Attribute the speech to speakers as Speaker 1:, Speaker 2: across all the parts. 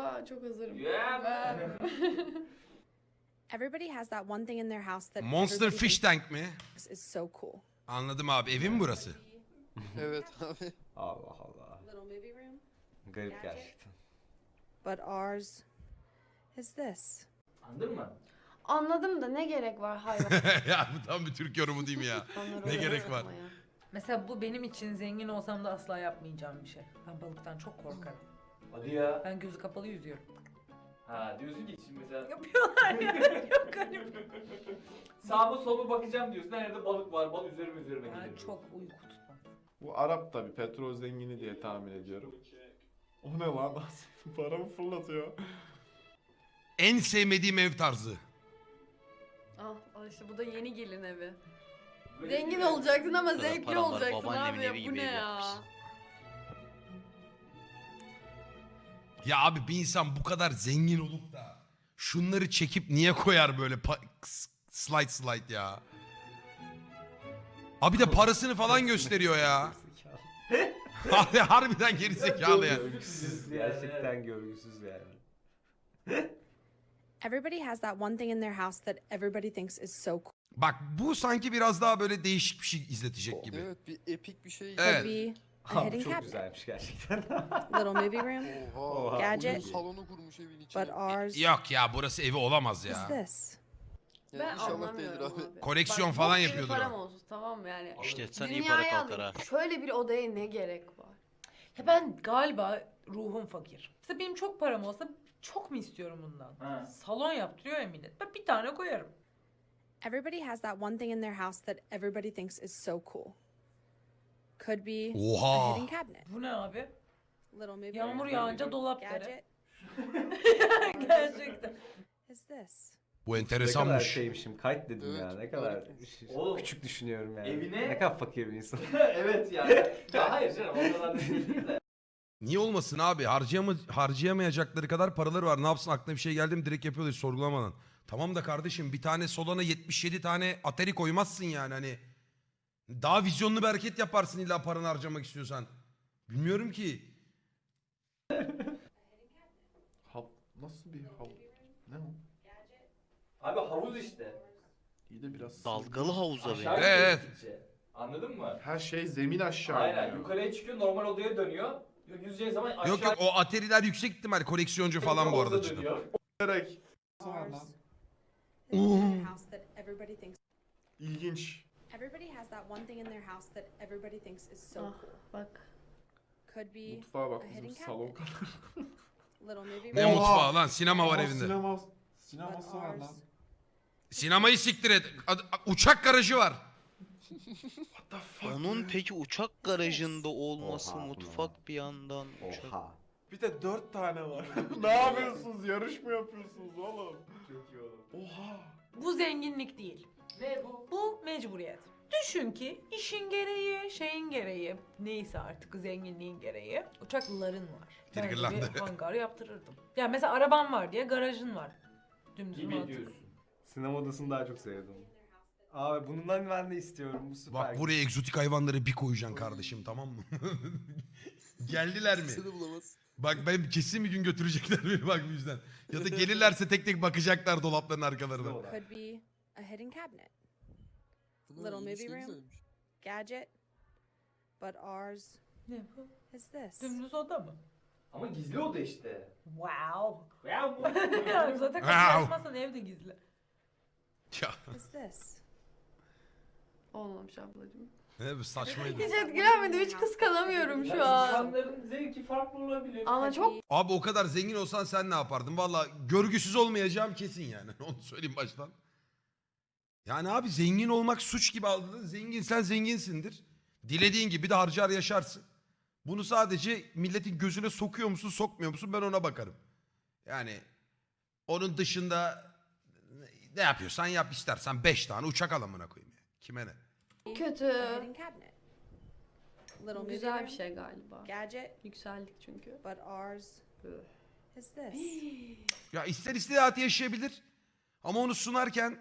Speaker 1: çok hazırım.
Speaker 2: Yeah.
Speaker 3: Everybody has that one thing in their house that
Speaker 4: Monster
Speaker 3: everybody
Speaker 4: Fish Tank mi?
Speaker 3: thinks is so cool.
Speaker 4: Anladım abi. Evin mi burası?
Speaker 5: Evet abi.
Speaker 2: Allah Allah.
Speaker 3: Little movie room.
Speaker 2: Garip gerçekten.
Speaker 3: But ours is this.
Speaker 2: Anladın mı?
Speaker 1: Anladım da ne gerek var hayvan.
Speaker 4: Ya bu tam bir Türk yorumu değil mi ya? Ne gerek var?
Speaker 6: Mesela bu benim için zengin olsam da asla yapmayacağım bir şey. Ben balıktan çok korkarım.
Speaker 2: Hadi ya.
Speaker 6: Ben gözü kapalı yüzüyorum.
Speaker 2: Ha diyorsun ki şimdi mesela
Speaker 6: Yapıyorlar ya. Çok garip.
Speaker 2: sağıma soluma bakacağım diyorsun. Nerede balık var? Balık üzerime
Speaker 6: Ben
Speaker 2: gelir.
Speaker 6: çok uyku tutmam.
Speaker 7: Bu Arap tabi petrol zengini diye tahmin ediyorum. O ne lan? Paramı fırlatıyor.
Speaker 4: En sevmediğim ev tarzı.
Speaker 1: Al işte bu da yeni gelin evi.
Speaker 2: Böyle
Speaker 1: Zengin
Speaker 2: bir-
Speaker 1: olacaksın ama
Speaker 5: kadar
Speaker 1: zevkli
Speaker 5: param var,
Speaker 1: olacaksın
Speaker 5: babaannemin
Speaker 1: abi ya.
Speaker 5: evi
Speaker 1: Bu
Speaker 5: gibi
Speaker 1: ne
Speaker 5: ev
Speaker 1: ya?
Speaker 5: yapmışsın.
Speaker 4: Ya abi bir insan bu kadar zengin olup da şunları çekip niye koyar böyle slide ya? Abi de parasını falan gösteriyor ya. Harbiden gerizekalı yani.
Speaker 2: Görgüsüz gerçekten görgüsüz yani.
Speaker 3: Everybody has that one thing in their house that everybody thinks is so cool.
Speaker 4: Bak bu sanki biraz daha böyle değişik bir şey izletecek gibi.
Speaker 5: Evet bir epik bir şey.
Speaker 4: Evet.
Speaker 3: Could be a
Speaker 2: Abi
Speaker 3: hidden
Speaker 2: çok
Speaker 3: cabinet.
Speaker 2: güzelmiş gerçekten.
Speaker 3: Little movie room.
Speaker 5: Oha.
Speaker 3: Gadget.
Speaker 5: Oyun salonu kurmuş evin içine.
Speaker 3: But ours
Speaker 4: Yok ya burası evi olamaz
Speaker 3: is
Speaker 4: ya.
Speaker 3: this.
Speaker 5: Yani
Speaker 1: Ben
Speaker 5: inşallah değildir
Speaker 1: anlamıyorum
Speaker 5: abi.
Speaker 1: abi.
Speaker 4: Koleksiyon
Speaker 1: Bak,
Speaker 4: falan
Speaker 1: bok gibi
Speaker 4: yapıyordur
Speaker 1: param
Speaker 4: o.
Speaker 1: olsun tamam mı yani.
Speaker 5: İşte sen iyi para
Speaker 1: Dünyaya
Speaker 5: kalkar
Speaker 1: alayım.
Speaker 5: ha.
Speaker 1: Şöyle bir odaya ne gerek var?
Speaker 6: Ya ben galiba ruhum fakir. Mesela benim çok param olsa çok mu istiyorum bundan?
Speaker 2: Ha.
Speaker 6: Salon yaptırıyor ya millet. Ben bir tane koyarım.
Speaker 3: Everybody has that one thing in their house that everybody thinks is so cool. Could be a
Speaker 4: Oha.
Speaker 3: hidden cabinet.
Speaker 6: Bu ne abi?
Speaker 3: Little movie
Speaker 6: Yağmur
Speaker 3: room.
Speaker 6: yağınca dolap deri.
Speaker 3: Gadget
Speaker 6: Gerçekten.
Speaker 3: is this.
Speaker 4: Bu
Speaker 2: Ne kadar
Speaker 4: enteresanmış.
Speaker 2: şeymişim. Kayıt dedim
Speaker 5: Evet,
Speaker 2: ya. Ne kadar
Speaker 5: harikaymış.
Speaker 2: Oğlum, küçük düşünüyorum yani.
Speaker 8: evine-
Speaker 2: Ne kadar fakir bir insan.
Speaker 8: Evet yani. Ya hayır canım o kadar da değil de.
Speaker 4: Niye olmasın abi? Harcayamayacakları kadar paraları var. Ne yapsın aklına bir şey geldi mi direkt yapıyorlar hiç sorgulamadan. Tamam da kardeşim bir tane Solana 77 tane Atari koymazsın yani hani. Daha vizyonlu bir hareket yaparsın illa paranı harcamak istiyorsan. Bilmiyorum ki.
Speaker 7: Nasıl bir ne o?
Speaker 8: Abi havuz işte.
Speaker 7: İyi de biraz
Speaker 5: Dalgalı havuza
Speaker 8: Aşağı
Speaker 5: benziyor.
Speaker 8: gidiyor
Speaker 4: Evet.
Speaker 8: gittikçe. Anladın mı?
Speaker 7: Her şey zemin aşağı
Speaker 8: Aynen.
Speaker 7: iniyor.
Speaker 8: Yukarıya çıkıyor normal odaya dönüyor. Yüzeceği zaman aşağı
Speaker 4: Yok yok o Atari'ler yüksek ihtimal koleksiyoncu falan bu arada
Speaker 8: havuza
Speaker 4: cidden.
Speaker 8: dönüyor.
Speaker 7: Direkt.
Speaker 3: Ours is the thing in their house that everybody thinks.
Speaker 7: İlginç.
Speaker 3: Everybody has that one thing in their house that everybody thinks is so
Speaker 1: Ah,
Speaker 3: cool.
Speaker 1: bak.
Speaker 3: Could be
Speaker 7: Mutfağa bak
Speaker 3: a
Speaker 7: bizim
Speaker 3: hidden
Speaker 7: salon
Speaker 3: cabinet.
Speaker 7: kadar.
Speaker 3: Little movie
Speaker 4: Ne
Speaker 3: room.
Speaker 4: mutfağı lan sinema var
Speaker 7: Aa,
Speaker 4: evinde.
Speaker 7: Sineması
Speaker 3: But
Speaker 7: var
Speaker 3: ours
Speaker 7: lan.
Speaker 4: Sinemayı siktir et. Uçak garajı var.
Speaker 7: What the fuck?
Speaker 5: Onun peki uçak garajında olması
Speaker 2: Oha,
Speaker 5: mutfak bir yandan uçak.
Speaker 2: Oha.
Speaker 7: Bir de 4 tane var. Ne yapıyorsunuz? Yarış mı yapıyorsunuz oğlum?
Speaker 8: Çok iyi oğlum.
Speaker 7: Oha.
Speaker 6: Bu zenginlik değil.
Speaker 8: Ne bu?
Speaker 6: Bu mecburiyet. Düşün ki işin gereği, şeyin gereği, neyse artık zenginliğin gereği uçakların var. Ben de
Speaker 4: Triggerlandı.
Speaker 6: bir hangar yaptırırdım. Ya mesela araban var diye garajın var. Dümdüz
Speaker 8: Gibi
Speaker 6: mantık.
Speaker 8: diyorsun.
Speaker 2: Sinema odasını daha çok sevdim. Abi bundan ben de istiyorum. Bu süper.
Speaker 4: Bak buraya egzotik hayvanları bir koyacaksın kardeşim tamam mı? Geldiler mi?
Speaker 5: Seni bulamaz.
Speaker 4: Bak ben kesin bir gün götürecekler beni bak bu yüzden. Ya da gelirlerse tek tek bakacaklar dolapların arkalarına.
Speaker 3: Could be a hidden cabinet. Little
Speaker 5: Yeni
Speaker 3: movie
Speaker 5: şey
Speaker 3: room.
Speaker 5: güzelmiş.
Speaker 3: Gadget. But ours
Speaker 6: Ne bu?
Speaker 3: is this.
Speaker 6: Dümdüz oda mı?
Speaker 8: Ama gizli oda işte.
Speaker 6: Wow.
Speaker 8: Ya bu.
Speaker 6: Ya zaten kapıyı
Speaker 4: Wow.
Speaker 6: açmazsan evde gizli.
Speaker 3: Is this.
Speaker 1: Olmamış ablacığım.
Speaker 4: Ne bu saçmaydı.
Speaker 1: Hiç etkilenmedim. Hiç kıskanamıyorum şu an.
Speaker 8: İnsanların zevki farklı olabilir.
Speaker 1: Ama çok
Speaker 4: Abi o kadar zengin olsan sen ne yapardın? Valla görgüsüz olmayacağım kesin yani. Onu söyleyeyim baştan. Yani abi zengin olmak suç gibi algıladın. Zenginsen zenginsindir. Dilediğin gibi de harcar yaşarsın. Bunu sadece milletin gözüne sokuyor musun sokmuyor musun ben ona bakarım. Yani onun dışında ne yapıyorsan yap istersen 5 tane uçak al amına koyayım. Ya. Kime ne?
Speaker 1: kötü.
Speaker 3: A hidden cabinet. Little
Speaker 1: Bu
Speaker 3: movie
Speaker 1: güzel
Speaker 3: room.
Speaker 1: bir şey galiba.
Speaker 3: Gadget.
Speaker 1: Yükseldik çünkü.
Speaker 3: But ours is this.
Speaker 4: Ya ister hayatı yaşayabilir. Ama onu sunarken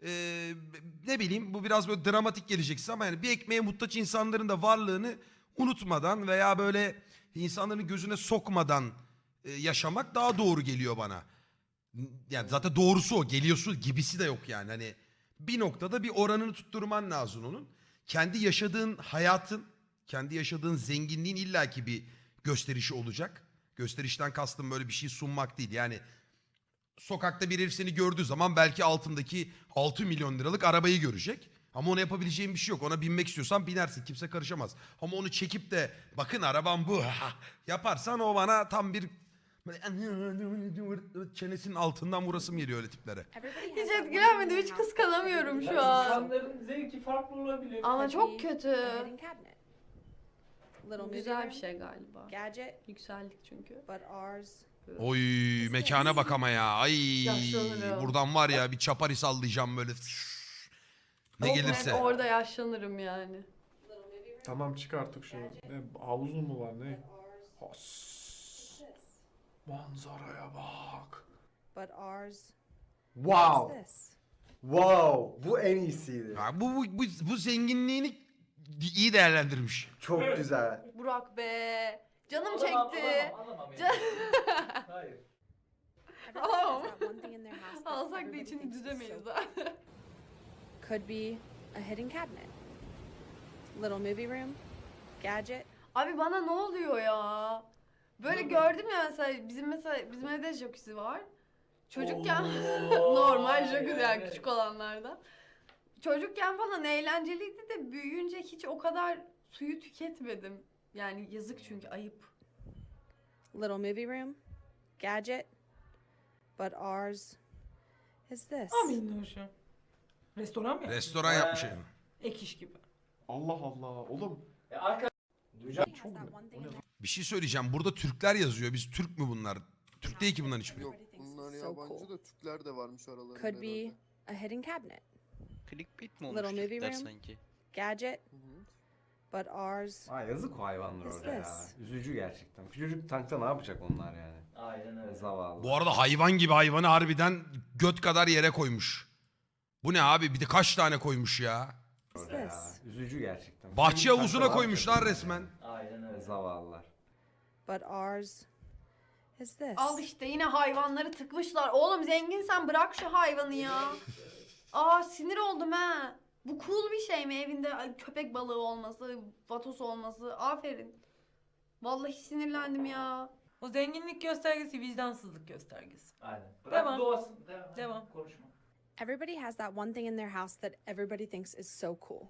Speaker 4: ne bileyim bu biraz böyle dramatik geleceksin ama yani bir ekmeğe muhtaç insanların da varlığını unutmadan veya böyle insanların gözüne sokmadan yaşamak daha doğru geliyor bana. Yani zaten doğrusu o. Geliyorsun gibisi de yok yani. Hani bir noktada bir oranını tutturman lazım onun. Kendi yaşadığın hayatın, kendi yaşadığın zenginliğin illaki bir gösterişi olacak. Gösterişten kastım böyle bir şey sunmak değil. Yani sokakta bir herif seni gördüğü zaman belki altındaki 6 milyon liralık arabayı görecek. Ama ona yapabileceğin bir şey yok. Ona binmek istiyorsan binersin. Kimse karışamaz. Ama onu çekip de bakın arabam bu yaparsan o bana tam bir böyle çenesinin altından vurasım geliyor öyle tiplere.
Speaker 3: Everybody has
Speaker 1: Hiç
Speaker 3: that one thing
Speaker 1: etkilenmedim.
Speaker 3: in
Speaker 1: Hiç
Speaker 3: their house
Speaker 1: kıskanamıyorum
Speaker 3: that
Speaker 1: şu an.
Speaker 8: İnsanların zevki farklı olabilir.
Speaker 1: Ama çok
Speaker 3: could be
Speaker 1: kötü.
Speaker 3: a hidden cabinet. Little movie
Speaker 1: Güzel
Speaker 3: room,
Speaker 1: bir şey galiba.
Speaker 3: gadget,
Speaker 1: Yükseldik çünkü.
Speaker 3: but ours
Speaker 4: Oy mekana bak ama ya. Ay
Speaker 1: Yaşlanırım.
Speaker 4: buradan var ya bir çapari sallayacağım böyle. Ne
Speaker 1: Çok
Speaker 4: gelirse.
Speaker 1: net orada yaşlanırım yani.
Speaker 7: Tamam çık artık şunu. Ne havuz mu var ne? Has. Manzaraya bak.
Speaker 3: but ours
Speaker 2: Wow.
Speaker 3: is this.
Speaker 2: Wow. Bu en iyisiydi.
Speaker 4: Ya bu zenginliğini iyi değerlendirmiş.
Speaker 2: Çok güzel.
Speaker 1: Burak be. Canım
Speaker 8: Alamam,
Speaker 1: çekti.
Speaker 8: alamam
Speaker 1: Can-
Speaker 8: Hayır.
Speaker 3: Everybody has that one thing in their house that
Speaker 1: Alsak da
Speaker 3: everybody
Speaker 1: içini
Speaker 3: thinks is
Speaker 1: düzemeyiz
Speaker 3: so
Speaker 1: ha.
Speaker 3: could be a hidden cabinet. Little movie room, gadget,
Speaker 1: Abi bana ne oluyor ya? Böyle gördüm ya mesela bizim evde jacuzzi var. Çocukken
Speaker 8: Oo,
Speaker 1: normal jacuzzi yani
Speaker 8: evet.
Speaker 1: küçük olanlardan. Çocukken falan eğlenceliydi de büyüyünce hiç o kadar suyu tüketmedim. Yani yazık çünkü ayıp.
Speaker 3: little movie room, gadget, but ours is this.
Speaker 6: Amin hoşum. Restoran mı?
Speaker 4: Restoran yapmış yani.
Speaker 6: Ek iş gibi.
Speaker 7: Allah Allah. Oğlum
Speaker 8: Arka duyacağım.
Speaker 3: Everybody has that one thing in their
Speaker 4: Bir şey söyleyeceğim. Burada Türkler yazıyor. Biz Türk mü bunlar? Türk değil ki bunların hiçbiri.
Speaker 3: Yok,
Speaker 9: Yok bunlar
Speaker 3: So
Speaker 9: yabancı
Speaker 3: cool.
Speaker 9: da Türkler de varmış aralarında
Speaker 3: could be
Speaker 9: herhalde.
Speaker 3: a hidden cabinet,
Speaker 5: Clickbait mi
Speaker 3: Little
Speaker 5: olmuş
Speaker 3: movie
Speaker 5: Türkler
Speaker 3: room.
Speaker 5: sanki?
Speaker 3: gadget,
Speaker 9: Hı hı.
Speaker 3: but ours
Speaker 2: Aa, yazık o hayvanlar
Speaker 3: Is
Speaker 2: orada ya.
Speaker 3: this?
Speaker 2: Üzücü gerçekten. Küçücük tankta ne yapacak onlar yani?
Speaker 8: Aynen öyle.
Speaker 2: Zavallı.
Speaker 4: Bu arada hayvan gibi hayvanı harbiden göt kadar yere koymuş. Bu ne abi? Bir de kaç tane koymuş ya?
Speaker 3: is
Speaker 2: Orada ya.
Speaker 3: this.
Speaker 2: Üzücü gerçekten.
Speaker 4: Bahçe
Speaker 2: Küçücük
Speaker 4: havuzuna
Speaker 2: tankta ne
Speaker 4: koymuşlar
Speaker 2: yapacak
Speaker 4: resmen.
Speaker 2: yani?
Speaker 8: Aynen öyle.
Speaker 2: Zavallılar.
Speaker 3: But ours is this.
Speaker 1: Al işte yine hayvanları tıkmışlar. Oğlum zenginsen bırak şu hayvanı ya. Aa sinir oldum ha. Bu cool bir şey mi evinde köpek balığı olması, vatos olması? Aferin. Vallahi sinirlendim ya.
Speaker 6: O zenginlik göstergesi vicdansızlık göstergesi.
Speaker 8: Aynen. Bırak
Speaker 6: Devam.
Speaker 8: doğasın.
Speaker 6: Devam.
Speaker 8: Konuşma.
Speaker 3: Everybody has that one thing in their house that everybody thinks is so cool.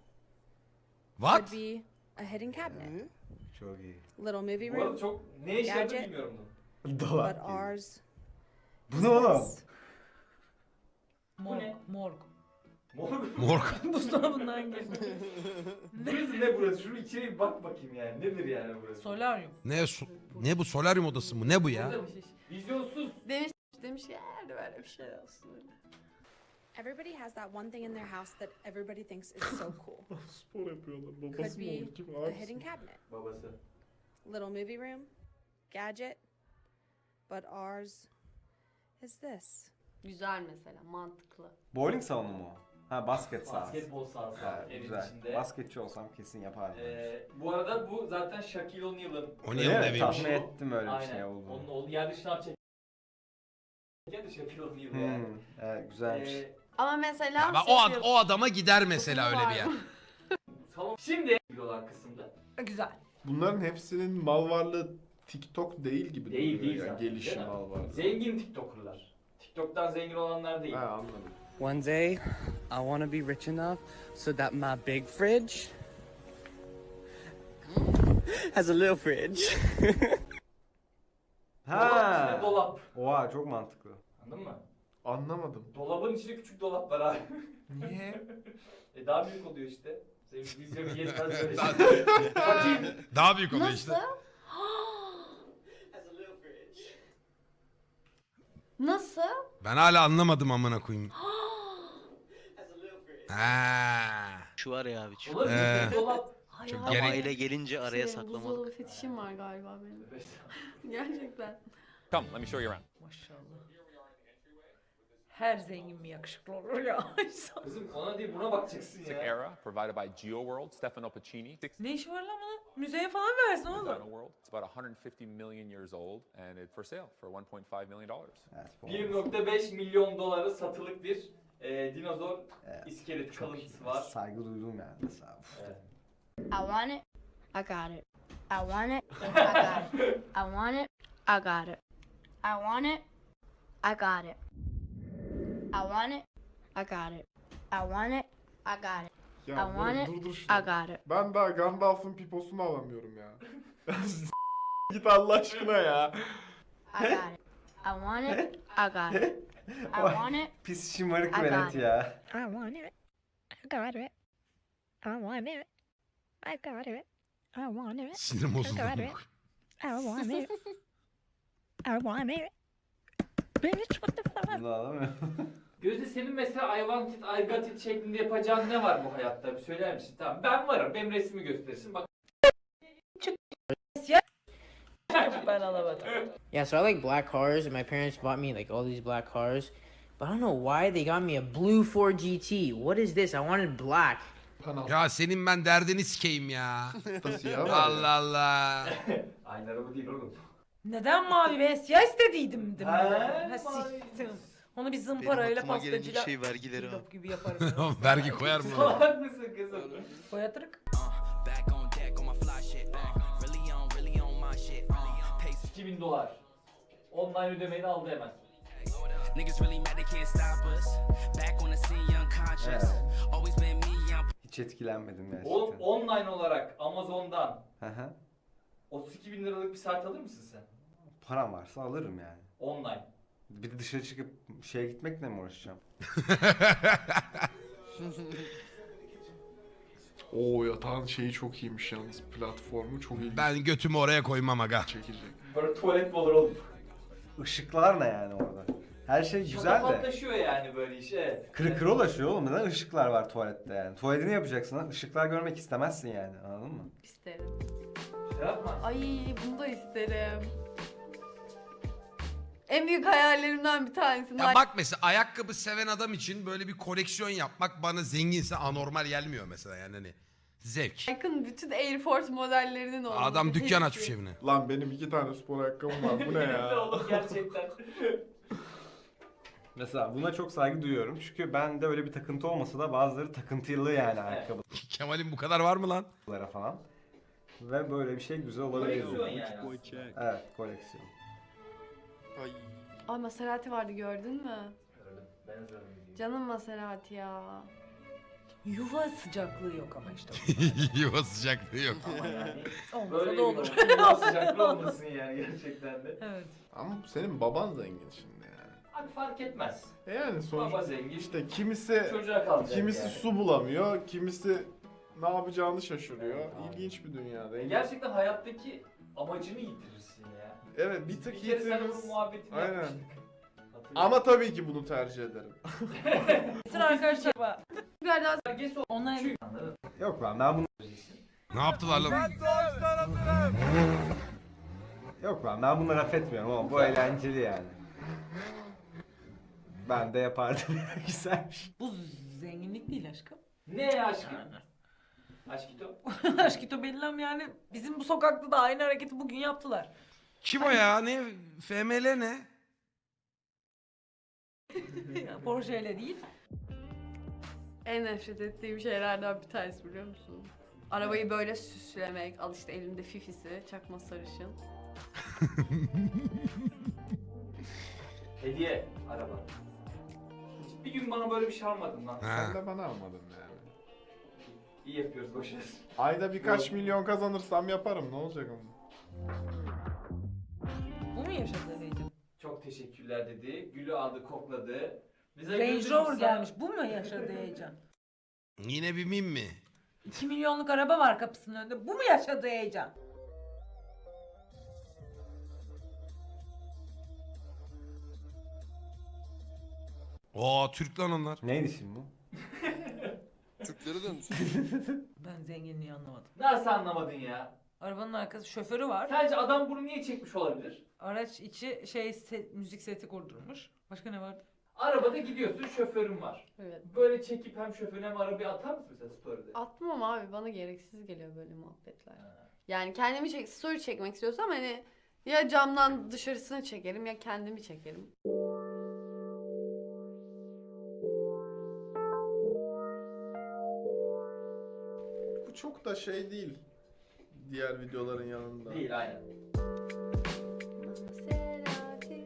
Speaker 4: What?
Speaker 3: Could be a hidden cabinet,
Speaker 9: Ne?
Speaker 2: Çok iyi.
Speaker 3: little movie
Speaker 8: Bu arada
Speaker 3: room,
Speaker 8: çok ne işe yaradığını
Speaker 3: Gerçi-
Speaker 8: bilmiyorum bunu.
Speaker 3: but
Speaker 2: Dolap gibi.
Speaker 3: ours
Speaker 2: Bu ne oğlum?
Speaker 3: is
Speaker 6: Morg.
Speaker 8: ne?
Speaker 6: Morg.
Speaker 8: Morg.
Speaker 4: Morg.
Speaker 6: Buzdolabından geliyor.
Speaker 8: Burası ne burası? Şunu içeri bir bak bakayım yani. Nedir yani burası?
Speaker 6: Solaryum.
Speaker 4: Ne bu? Solaryum odası mı? Ne bu ya?
Speaker 8: Vizyonsuz.
Speaker 1: Demiş ki "Eğer böyle bir şey olsun.
Speaker 3: everybody has that one thing in their house that everybody thinks is so cool.
Speaker 7: spor yapıyorlar.
Speaker 3: Could
Speaker 7: Babası mı
Speaker 3: be
Speaker 7: olur? Kim
Speaker 3: a
Speaker 7: abisi
Speaker 3: hidden
Speaker 7: mi?
Speaker 3: cabinet,
Speaker 8: Babası.
Speaker 3: little movie room, gadget, but ours is this.
Speaker 1: Güzel mesela mantıklı.
Speaker 2: Bowling salonu mu? Ha basket sahası.
Speaker 8: Basketbol sahası
Speaker 2: Ha,
Speaker 8: var evin
Speaker 2: güzel.
Speaker 8: içinde.
Speaker 2: Basketçi olsam kesin yapardım.
Speaker 8: Bu arada bu zaten Shaquille O'Neal'ın.
Speaker 4: O
Speaker 2: Öyle
Speaker 4: niye
Speaker 2: mi?
Speaker 4: eviymiş?
Speaker 2: Tahmin ettim öyle bir
Speaker 8: Aynen.
Speaker 2: şey olduğunu.
Speaker 8: Onun oğlu yerde şınav çeken de Shaquille O'Neal yani.
Speaker 2: Evet, güzelmiş.
Speaker 1: Ama mesela
Speaker 4: Ya ben o adama gider mesela öyle bir yer.
Speaker 8: Salon. Şimdi olan kısımda.
Speaker 6: Güzel.
Speaker 7: Bunların hepsinin mal varlığı TikTok değil gibi
Speaker 8: Değil,
Speaker 7: duruyor
Speaker 8: değil
Speaker 7: yani.
Speaker 8: zaten,
Speaker 7: Gelişim
Speaker 8: değil mi?
Speaker 7: mal varlığı.
Speaker 8: Zengin TikToker'lar. TikTok'tan zengin olanlar değil.
Speaker 7: Ha anladım.
Speaker 10: One day, I want to be rich enough so that my big fridge has a little fridge.
Speaker 8: Dolabın içinde
Speaker 2: Ha.
Speaker 8: dolap.
Speaker 2: Oha çok mantıklı.
Speaker 8: Anladın mı?
Speaker 7: Anlamadım.
Speaker 8: Dolabın içinde küçük dolap var abi.
Speaker 7: Niye?
Speaker 8: Daha büyük oluyor işte. Senin vizyonu yetmez böyle
Speaker 4: Daha-
Speaker 8: şey. Fakir.
Speaker 4: Daha büyük oluyor
Speaker 1: Nasıl?
Speaker 4: işte.
Speaker 10: Has a little fridge.
Speaker 1: Nasıl?
Speaker 4: Ben hala anlamadım amına koyayım.
Speaker 10: Has a little fridge.
Speaker 4: Ha.
Speaker 5: Şu var ya abi. Şu.
Speaker 8: Olabilir
Speaker 4: Ee.
Speaker 8: dolap.
Speaker 1: Ay,
Speaker 4: Çok
Speaker 1: ay,
Speaker 4: gerek-
Speaker 1: ay.
Speaker 5: Aile gelince araya
Speaker 1: Senin
Speaker 5: saklamalık.
Speaker 1: buzdolabı fetişim var galiba benim. Gerçekten.
Speaker 6: Maşallah. Her zengin mi yakışıklı olur ya?
Speaker 8: Kızım ona değil buna bakacaksın ya.
Speaker 9: Era, provided by GeoWorld, Stefano Pacini.
Speaker 6: Ne işi var lan bunun? Müzeye falan versin oğlum.
Speaker 9: Dino World. It's about 150 million years old, and it's for sale for 1.5 million dollars.
Speaker 2: Evet, bu
Speaker 8: 1.5 milyon dolara satılık bir dinozor
Speaker 2: Evet,
Speaker 8: iskelet
Speaker 2: çok
Speaker 8: kalıntısı
Speaker 2: iyi.
Speaker 8: var.
Speaker 2: Saygı duydum yani mesela.
Speaker 8: Evet.
Speaker 11: I want it. I got it. I want it. I got it. I want it. I got it. I want it. I got it. I want it. I got it. I want it. I got it.
Speaker 7: Ya
Speaker 11: I want
Speaker 7: Murat,
Speaker 11: it.
Speaker 7: dur
Speaker 11: I
Speaker 7: şunu.
Speaker 11: got it.
Speaker 7: Ben daha Gandalf'ın piposunu alamıyorum ya. Git Allah aşkına ya.
Speaker 11: I got it. I want it. I got it. I want it.
Speaker 2: Pis şımarık
Speaker 11: I got
Speaker 2: velet
Speaker 11: it.
Speaker 2: ya.
Speaker 11: I want it. I got it. I want it. I got it. I want it.
Speaker 4: Sinirim bozuldu.
Speaker 11: I got it. I want it. I want it. Bitch, what the fuck?
Speaker 2: Bunu alamıyorum.
Speaker 8: Gözde senin mesela I want it, I got it şeklinde yapacağın ne var bu hayatta? Bir söyler misin? Tamam ben varım. Benim resmimi gösterirsin. Bak.
Speaker 6: Ben alamadım.
Speaker 10: Yeah, so I like black cars, and my parents bought me like all these black cars. But I don't know why they got me a blue Ford GT. What is this? I wanted black.
Speaker 4: Ya senin ben derdini sikeyim ya.
Speaker 7: Siyah var ya.
Speaker 4: Allah Allah.
Speaker 8: Aynı araba değil oğlum.
Speaker 6: Neden mavi ve siyah istediydim?
Speaker 8: Ha,
Speaker 6: Ha,
Speaker 8: mavi.
Speaker 6: siktim. Onu bir zımparayla pastacıyla
Speaker 5: vergileri
Speaker 6: cillop gibi yaparım.
Speaker 4: Vergi koyar mı?
Speaker 8: Salak mısın kızım?
Speaker 6: Koyatırık.
Speaker 10: Back on deck on my fly shit. Really on my shit.
Speaker 8: $2000. Online ödemeni aldı hemen.
Speaker 10: Niggas really mad they can't stop us. Back on the scene, young conscious. Always been me, young.
Speaker 2: Hiç etkilenmedim gerçekten.
Speaker 8: Oğlum online olarak Amazon'dan
Speaker 2: Hı hı.
Speaker 8: 32.000 liralık bir saat alır mısın sen?
Speaker 2: Param varsa alırım yani.
Speaker 8: Online.
Speaker 2: Bir de dışarı çıkıp şeye gitmekle mi uğraşacağım?
Speaker 7: Oo, yatağın şeyi çok iyiymiş yalnız. Platformu çok iyi.
Speaker 4: Ben götümü oraya koymam aga.
Speaker 7: Çekecek.
Speaker 8: Böyle tuvalet mi olur oğlum?
Speaker 2: Işıklar ne yani orada? Her şey güzel de.
Speaker 8: Şatafatlaşıyor yani böyle iş evet.
Speaker 2: Kırık ulaşıyor oğlum. Neden ışıklar var tuvalette yani? Tuvaletini yapacaksın lan. Işıklar görmek istemezsin yani. Anladın mı?
Speaker 1: İsterim.
Speaker 8: Şey yapma.
Speaker 1: Ay bunu da isterim. En büyük hayallerimden bir tanesi.
Speaker 4: Ya bak mesela ayakkabı seven adam için böyle bir koleksiyon yapmak bana zenginse anormal gelmiyor mesela yani hani zevk.
Speaker 1: Nike'ın bütün Air Force modellerinin olması.
Speaker 4: Adam dükkan
Speaker 1: hepsi.
Speaker 4: açmış evine.
Speaker 7: Lan benim 2 tane spor ayakkabım var. Bu ne
Speaker 8: Ne
Speaker 7: ya?
Speaker 8: oğlum gerçekten.
Speaker 2: Mesela buna çok saygı duyuyorum. Çünkü bende öyle bir takıntı olmasa da bazıları takıntılı yani ayakkabılara
Speaker 4: Kemal'in bu kadar var mı lan?
Speaker 2: falan. Ve böyle bir şey güzel olabilir.
Speaker 8: Koleksiyon yani.
Speaker 2: Evet, koleksiyon.
Speaker 1: Ay Maserati vardı gördün mü?
Speaker 8: Ben hazırım.
Speaker 1: Canım Maserati ya.
Speaker 6: Yuva sıcaklığı yok ama işte.
Speaker 4: Yuva sıcaklığı yok.
Speaker 8: Ama yani
Speaker 6: Olmasa
Speaker 8: böyle
Speaker 6: da olur.
Speaker 8: bir sıcaklığı olmasın yani gerçekten de.
Speaker 6: Evet.
Speaker 7: Ama senin baban zengin şimdi yani.
Speaker 8: Abi fark etmez.
Speaker 7: Yani
Speaker 8: Baba
Speaker 7: sonuçta
Speaker 8: zengin.
Speaker 7: işte kimisi
Speaker 8: Çocuğa kalacak
Speaker 7: kimisi
Speaker 8: yani.
Speaker 7: su bulamıyor, kimisi ne yapacağını şaşırıyor. İlginç bir dünyada.
Speaker 8: Gerçekten hayattaki amacını yitirirsin ya.
Speaker 7: Evet, bir tık
Speaker 8: Bir kere sen
Speaker 7: yitiririz.
Speaker 8: onun muhabbetini
Speaker 7: Aynen.
Speaker 8: yapmıştık. Hatırlıyorum.
Speaker 7: Ama tabii ki bunu tercih ederim.
Speaker 6: Sıra arkadaşlar.
Speaker 1: Biraz daha
Speaker 8: Herkes o.
Speaker 6: Onlar
Speaker 8: Çünkü anladın.
Speaker 2: Yok lan ben bunu...
Speaker 4: Ne yaptılar lan?
Speaker 2: Yok lan ben bunu laf etmiyorum ama bu eğlenceli yani. Ben de yapardım. Güzelmiş.
Speaker 6: bu zenginlik değil aşkım.
Speaker 8: Ne aşkım? Aşkito.
Speaker 6: Aşkito Bellam yani bizim bu sokakta da aynı hareketi bugün yaptılar.
Speaker 4: Kim o ya? Ne? FML ne?
Speaker 6: Porsche ile değil.
Speaker 1: en nefret ettiğim şeylerden bir tanesi biliyor musun? Arabayı böyle süslemek. Al işte elinde fifisi, çakma sarışın.
Speaker 8: Hediye araba. Hiç bir gün bana böyle bir şey almadın lan.
Speaker 4: Ha.
Speaker 7: Sen de bana almadın yani.
Speaker 8: İyi yapıyoruz boşver.
Speaker 7: Ayda birkaç milyon kazanırsam yaparım, ne olacak ama.
Speaker 6: Bu mu yaşadığı heyecan?
Speaker 8: Çok teşekkürler dedi. Gülü aldı, kokladı. Bize
Speaker 6: Range
Speaker 8: güldü,
Speaker 6: Rover
Speaker 8: biz
Speaker 6: gelmiş. Bu mu yaşadığı heyecan?
Speaker 4: Yine bir mim mi?
Speaker 6: 2 milyonluk araba var kapısının önünde. Bu mu yaşadığı heyecan?
Speaker 4: Oo Türk lan onlar.
Speaker 2: Neydi şimdi bu?
Speaker 6: Ben zenginliği anlamadım.
Speaker 8: Nasıl anlamadın ya?
Speaker 6: Arabanın arkası şoförü var.
Speaker 8: Sence adam bunu niye çekmiş olabilir?
Speaker 6: Araç içi müzik seti kurdurmuş. Başka ne vardı?
Speaker 8: Arabada gidiyorsun, şoförün var.
Speaker 1: Evet.
Speaker 8: Böyle çekip hem şoförüne hem arabayı atar mısın mesela story'de?
Speaker 1: Atmam abi, bana gereksiz geliyor böyle muhabbetler. Yani kendimi story çekmek istiyorsam hani ya camdan dışarısını çekerim ya kendimi çekerim.
Speaker 7: Bu çok da şey değil. Diğer videoların yanında.
Speaker 8: Değil aynen.
Speaker 1: Maserati.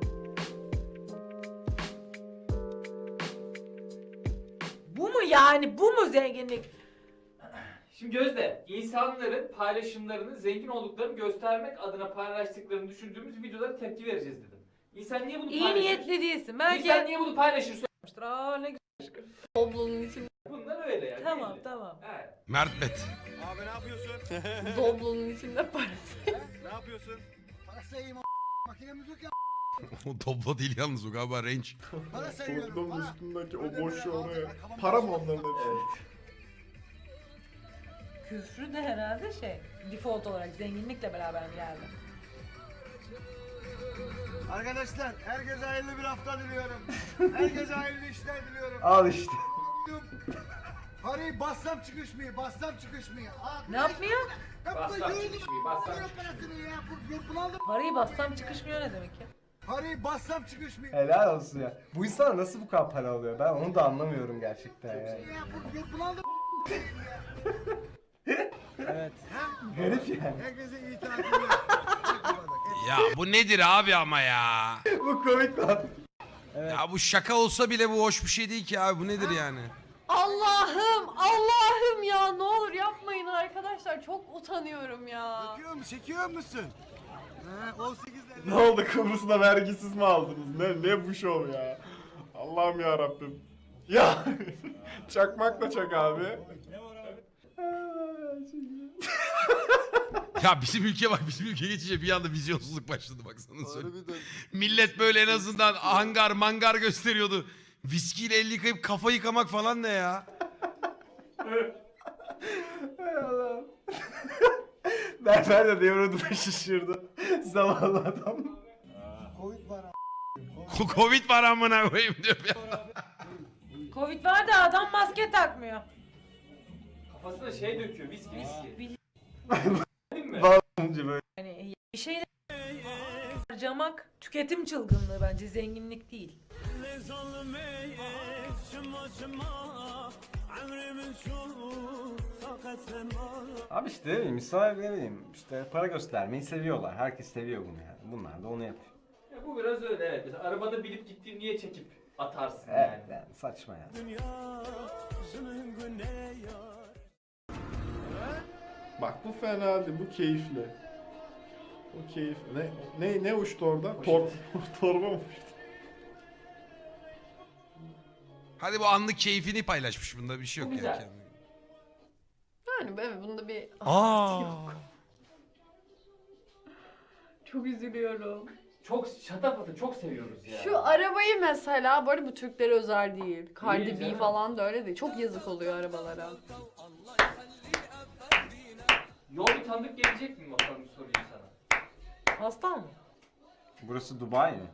Speaker 6: Bu mu yani? Bu mu zenginlik?
Speaker 8: Şimdi Gözde, insanların paylaşımlarını zengin olduklarını göstermek adına paylaştıklarını düşündüğümüz videolara tepki vereceğiz dedim. İnsan niye bunu
Speaker 6: İyi
Speaker 8: paylaşır?
Speaker 6: niyetli değilsin. Belki
Speaker 8: İnsan niye bunu paylaşır?
Speaker 6: Aa, ne güzel.
Speaker 1: Doblonun içinde,
Speaker 8: Bunlar öyle yani.
Speaker 6: Tamam
Speaker 8: belli.
Speaker 6: tamam.
Speaker 8: Evet.
Speaker 4: Mert Bet.
Speaker 1: doblonun içinde parası.
Speaker 4: Doblo değil yalnız o galiba range.
Speaker 7: Kurdum üstündeki o boşu oraya. Para mı onların hepsi?
Speaker 6: Küfrü de herhalde default olarak zenginlikle beraber mi geldi?
Speaker 12: Arkadaşlar herkese hayırlı bir hafta diliyorum. Herkese hayırlı işler diliyorum.
Speaker 2: Al işte.
Speaker 12: Parayı bassam çıkışmıyor, bassam çıkışmıyor.
Speaker 6: Ne yapmıyor?
Speaker 8: Bassam çıkışmıyor, bassam
Speaker 6: Parayı bassam çıkışmıyor ne demek ya?
Speaker 12: Parayı bassam çıkışmıyor.
Speaker 2: Helal olsun ya. Bu insanlar nasıl bu kadar para alıyor? Ben onu da anlamıyorum gerçekten yani.
Speaker 12: Evet.
Speaker 2: Garip yani.
Speaker 12: Herkese iyi tatiller.
Speaker 4: Ya bu nedir abi ama ya?
Speaker 2: Bu komik lan.
Speaker 4: Ya bu şaka olsa bile bu hoş bir şey değil ki abi. Bu nedir yani?
Speaker 1: Allah'ım ya, ne olur yapmayın arkadaşlar, çok utanıyorum ya.
Speaker 12: Çekiyor musun? 18
Speaker 7: Ne oldu, Kıbrıs'ta vergisiz mi aldınız? Ne bu şov ya? Allah'ım ya Rabbim. Ya çakmak da çak abi.
Speaker 4: Ya bizim ülke bak, bizim ülke geçince bir anda vizyonsuzluk başladı bak sana söyleyeyim. Millet böyle en azından hangar mangar gösteriyordu. Viskiyle el yıkayıp kafa yıkamak falan ne ya?
Speaker 2: Hay Allah'ım. Berber de devrodu şaşırdı. Zavallı adam.
Speaker 12: Covid var
Speaker 4: Covid var amına koyayım diyor ya.
Speaker 6: Covid var da adam maske takmıyor.
Speaker 8: Kafasına döküyor, viski. Değil mi?
Speaker 2: Bağlanınca böyle.
Speaker 6: Yani bir şeyler harcamak tüketim çılgınlığı bence, zenginlik değil.
Speaker 2: Abi işte ne bileyim, insanlar ne bileyim işte para göstermeyi seviyorlar. Herkes seviyor bunu yani. Bunlar da onu yapıyor.
Speaker 8: Ya bu biraz öyle evet. Mesela arabada bilip gittiğini niye çekip atarsın
Speaker 2: Evet
Speaker 8: yani?
Speaker 2: yani saçma yani.
Speaker 7: Bak bu fena değil, bu keyifli. Bu keyifli. Ne uçtu orada? Torba mı uçtu?
Speaker 4: Hadi bu anlık keyfini paylaşmış, bunda bir şey yok
Speaker 8: Bu
Speaker 4: yani.
Speaker 8: güzel.
Speaker 1: Yani evet, bunda bir
Speaker 4: Aa.
Speaker 1: çok üzülüyorum.
Speaker 8: Çok şatafatı çok seviyoruz ya.
Speaker 1: Şu arabayı mesela, bu arada bu Türklere özel değil.
Speaker 8: Değil
Speaker 1: Cardi B
Speaker 8: canım.
Speaker 1: falan da öyle değil. Çok yazık oluyor arabalara.
Speaker 8: Yol bir tanıdık gelecek mi bakalım, sorayım sana.
Speaker 6: Hasta mı?
Speaker 2: Burası Dubai mi?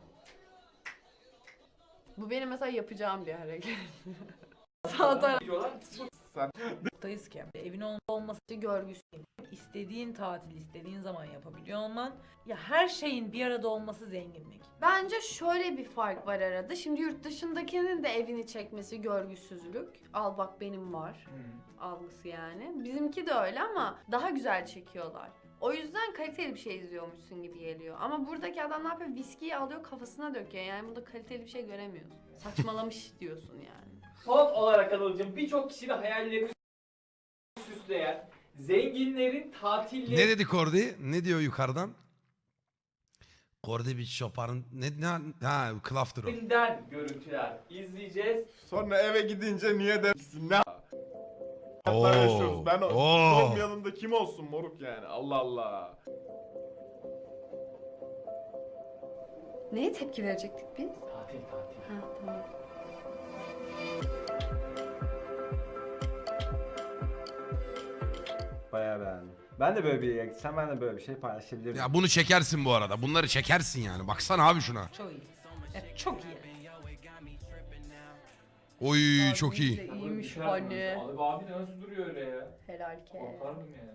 Speaker 1: Bu benim mesela yapacağım bir hareket. Sağ taraf
Speaker 8: Diyorlar.
Speaker 6: Buradayız ki evin olması
Speaker 1: görgüsü.
Speaker 6: istediğin tatil istediğin zaman yapabiliyor olman, ya her şeyin bir arada olması zenginlik.
Speaker 1: Bence şöyle bir fark var arada. Şimdi yurt dışındakinin de evini çekmesi görgüsüzlük. Al bak benim var algısı yani. Bizimki de öyle ama daha güzel çekiyorlar. O yüzden kaliteli bir şey izliyormuşsun gibi geliyor. Ama buradaki adam ne yapıyor? Viskiyi alıyor kafasına döküyor. Yani burada kaliteli bir şey göremiyorsun. Saçmalamış diyorsun yani.
Speaker 8: Son olarak Anıl'cığım, birçok kişinin hayallerini süsleyen zenginlerin tatilleri...
Speaker 4: Ne dedi Kordi? Ne diyor yukarıdan? Kordi bir şoparın ha klaftır o.
Speaker 8: ...den görüntüler izleyeceğiz.
Speaker 7: Sonra eve gidince niye dersin? Ne
Speaker 4: Oo,
Speaker 7: hayatlar yaşıyoruz? Ben
Speaker 4: oo.
Speaker 7: olmayalım da kim olsun moruk yani? Allah Allah.
Speaker 1: Neye tepki verecektik biz?
Speaker 8: Tatil.
Speaker 1: Ha tamam.
Speaker 2: Bayağı beğendim. Ben de böyle bir yere gitsem ben de böyle bir şey paylaşabilirim.
Speaker 4: Ya bunu çekersin bu arada. Bunları çekersin yani. Baksana abi şuna.
Speaker 6: Çok iyi. Evet, çok iyi.
Speaker 4: Oy çok
Speaker 1: Abimiz
Speaker 4: iyi.
Speaker 1: de iyiymiş
Speaker 8: Düşerdim.
Speaker 1: hani.
Speaker 8: Abi nasıl duruyor öyle ya?
Speaker 1: Helal ke.
Speaker 8: Korkardım yani.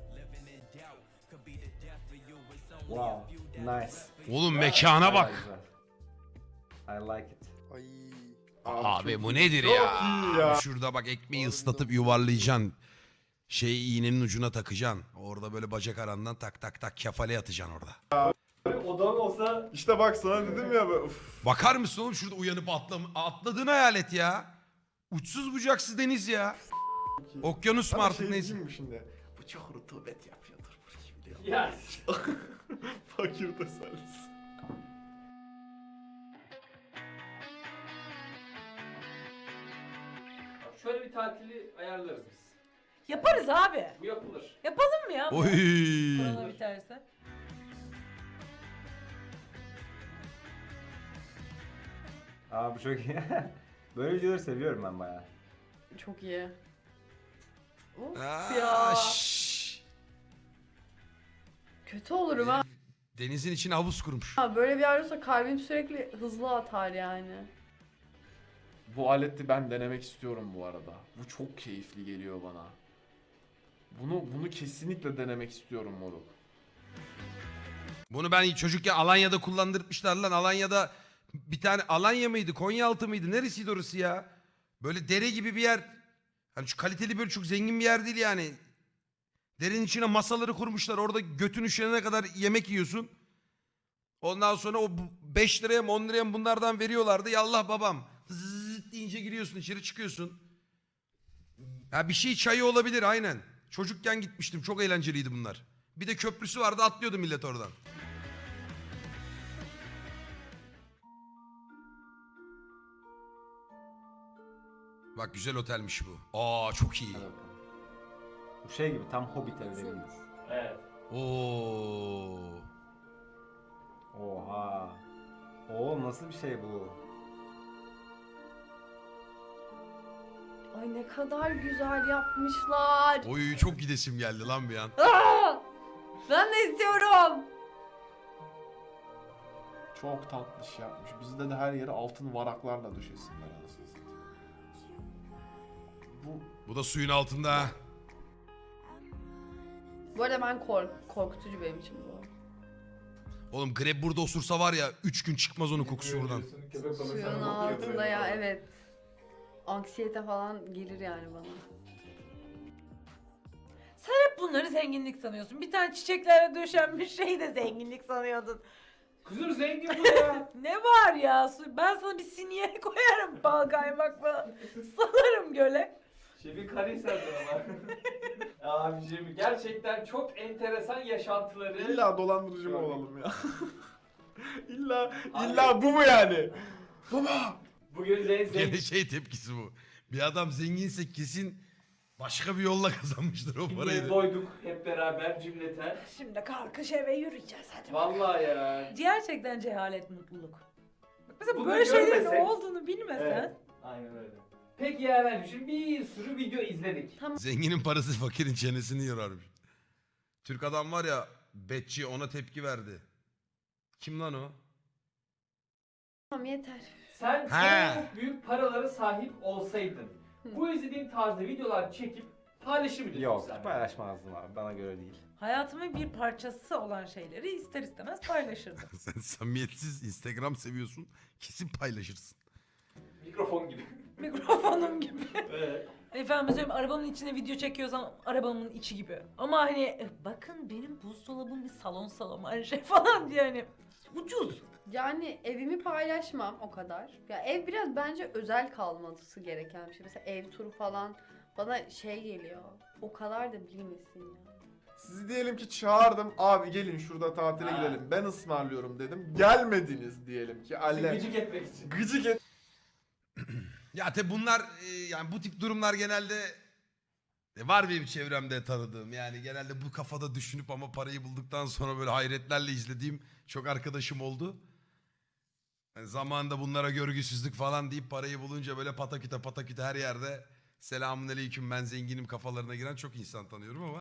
Speaker 2: Wow. Nice.
Speaker 4: Oğlum mekana bak.
Speaker 2: Güzel. I like it.
Speaker 12: Ay.
Speaker 4: Abi
Speaker 7: çok
Speaker 4: bu
Speaker 7: iyi.
Speaker 4: nedir
Speaker 7: Çok
Speaker 4: ya?
Speaker 7: iyi ya.
Speaker 4: Şurada bak ekmeği ıslatıp yuvarlayacaksın. İğnenin ucuna takacaksın. Orada böyle bacak arandan tak tak tak kefale atacaksın orada.
Speaker 8: Odam olsa
Speaker 7: İşte bak sana dedim ya. Uf.
Speaker 4: Bakar mısın oğlum şurada uyanıp atladığını hayal et ya. Uçsuz bucaksız deniz ya. Okyanus mu
Speaker 7: Ama
Speaker 4: artık
Speaker 7: şey
Speaker 4: neyse.
Speaker 7: diyeyim mi şimdi? Bu çok rutubet yapıyordur burayı biliyor musun?
Speaker 8: ya
Speaker 7: Fakir tasarlısı.
Speaker 8: şöyle bir tatili ayarlarız biz.
Speaker 6: Yaparız abi.
Speaker 8: Bu yapılır.
Speaker 6: Yapalım mı ya?
Speaker 4: Oy.
Speaker 6: Korona biterse.
Speaker 2: Aa bu çok iyi. Böyle videoları seviyorum ben bayağı.
Speaker 1: Çok iyi. Of
Speaker 4: Aa,
Speaker 1: ya.
Speaker 4: şşş.
Speaker 1: Kötü olurum ha.
Speaker 4: Denizin içine havuz kurmuş.
Speaker 1: Böyle bir yer olsa kalbim sürekli hızlı atar yani.
Speaker 7: Bu aleti ben denemek istiyorum bu arada. Bu çok keyifli geliyor bana. Bunu kesinlikle denemek istiyorum moruk.
Speaker 4: Bunu ben çocukken Alanya'da kullandırmışlar lan. Alanya'da bir tane Alanya mıydı? Konyaaltı mıydı? Neresiydi orası ya? Böyle dere gibi bir yer. Hani şu kaliteli böyle çok zengin bir yer değil yani. Derenin içine masaları kurmuşlar. Orada götün üşenene kadar yemek yiyorsun. Ondan sonra o 5 liraya mı 10 liraya mı bunlardan veriyorlardı. Yallah babam. Zıt deyince giriyorsun içeri çıkıyorsun. Ha bir şey çayı olabilir aynen. Çocukken gitmiştim. Çok eğlenceliydi bunlar. Bir de köprüsü vardı atlıyordu millet oradan. Bak güzel otelmiş bu. Aa çok iyi.
Speaker 2: Hadi bakalım. Bu şey gibi tam Hobbit evleri gibi.
Speaker 8: Evet.
Speaker 4: Oo.
Speaker 2: Oha. Oo nasıl bir şey bu?
Speaker 1: Ay ne kadar güzel yapmışlar.
Speaker 4: Oy çok gidesim geldi lan bir an.
Speaker 1: Aa! Ben de istiyorum.
Speaker 7: Çok tatlış yapmış. Bizde de her yeri altın varaklarla döşesinler anasını satayım.
Speaker 4: Bu da suyun altında. ha.
Speaker 1: Bu arada ben korkutucu benim için bu.
Speaker 4: Oğlum greb burada osursa var ya 3 gün çıkmaz onun kokusu buradan.
Speaker 8: Köpek balığı
Speaker 1: Suyun
Speaker 8: sana bakıyor
Speaker 1: altında
Speaker 8: böyle.
Speaker 1: ya evet. Anksiyete falan gelir yani bana.
Speaker 6: Sen hep bunları zenginlik sanıyorsun. Bir tane çiçeklerle döşenmiş şeyi de zenginlik sanıyordun.
Speaker 8: Kızım zengin bu ya.
Speaker 6: Ne var ya? Ben sana bir sinye koyarım bal kaymakla. Salarım göle.
Speaker 8: Şefin Karahisar'dan ama. Abicim gerçekten çok enteresan yaşantıları.
Speaker 7: İlla dolandırıcı mı olalım ya? illa bu mu yani? Baba!
Speaker 8: Bugün zengin.
Speaker 4: Gene şey tepkisi bu. Bir adam zenginse kesin başka bir yolla kazanmıştır o parayı.
Speaker 8: Doyduk hep beraber cümleten.
Speaker 6: Şimdi kalkış eve yürüyeceğiz hadi.
Speaker 8: Vallahi ya.
Speaker 6: Gerçekten cehalet mutluluk. Bak mesela
Speaker 8: Bunu
Speaker 6: böyle şeylerin
Speaker 8: görmesek-
Speaker 6: olduğunu bilmesen.
Speaker 8: Evet. Aynen öyle. Peki ya şimdi bir sürü video izledik.
Speaker 4: Zenginin parası fakirin çenesini yorarmış. Türk adam var ya betçi ona tepki verdi. Kim lan o?
Speaker 1: Tamam yeter.
Speaker 8: Sen
Speaker 4: He.
Speaker 8: çok büyük paralara sahip olsaydın bu izlediğin tarzda videolar çekip paylaşır mıydın
Speaker 2: Yok
Speaker 8: sen?
Speaker 2: paylaşmazdım abi bana göre değil.
Speaker 6: Hayatımın bir parçası olan şeyleri ister istemez paylaşırdım.
Speaker 4: Sen samimiyetsiz Instagram seviyorsun kesin paylaşırsın.
Speaker 8: Mikrofon gibi.
Speaker 6: Mikrofonum gibi.
Speaker 8: Evet.
Speaker 6: Efendim söyleyeyim arabamın içine video çekiyorsam arabamın içi gibi. Ama hani bakın benim buzdolabım bir salon salon şey falan diye hani ucuz.
Speaker 1: Yani evimi paylaşmam o kadar. Ya ev biraz bence özel kalması gereken bir şey. Mesela ev turu falan bana şey geliyor. O kadar da bilmesin ya.
Speaker 7: Sizi diyelim ki çağırdım. Abi gelin şurada tatile gidelim. Ben ısmarlıyorum dedim. Gelmediniz diyelim ki. Alle.
Speaker 8: Gıcık etmek için.
Speaker 7: Gıcık et.
Speaker 4: Ya tabi bunlar yani bu tip durumlar genelde var benim çevremde tanıdığım. Yani genelde bu kafada düşünüp ama parayı bulduktan sonra böyle hayretlerle izlediğim çok arkadaşım oldu. Yani zamanında bunlara görgüsüzlük falan deyip parayı bulunca böyle pataküte pataküte her yerde selamun aleyküm ben zenginim kafalarına giren çok insan tanıyorum ama.